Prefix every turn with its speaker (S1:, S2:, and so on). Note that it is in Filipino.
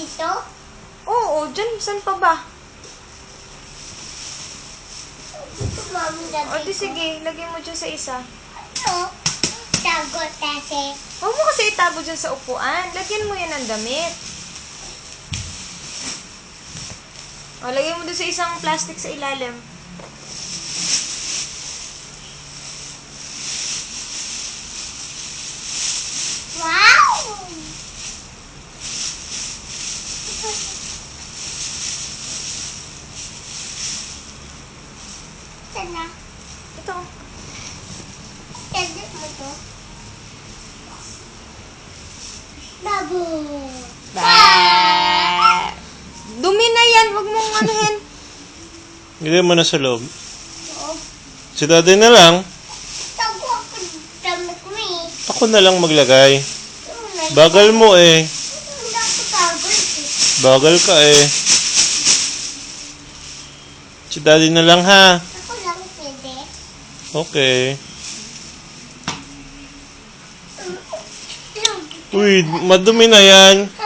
S1: dito?
S2: Oo, dyan. Saan pa ba?
S1: Dito, mami,
S2: O,
S1: dati
S2: di
S1: ko.
S2: sige. Lagay mo dyan sa isa.
S1: Ano? Tagot kasi.
S2: Huwag mo kasi itago dyan sa upuan. Lagyan mo yan ng damit. O, lagay mo dun sa isang plastic sa ilalim.
S1: Wow! Sana.
S2: Ito.
S1: Tagit mo to. Babu.
S2: Dumi na yan. Huwag mong anuhin.
S3: Ilagay mo na sa loob.
S1: Oo.
S3: Si daddy na lang.
S1: Tago ako damit mo eh.
S3: Ako na lang maglagay.
S1: Ano,
S3: Bagal mo eh.
S1: Hindi ako tagot eh.
S3: Bagal ka eh. Si daddy na lang ha.
S1: Ako lang pwede.
S3: Okay. Uy, madumi na yan.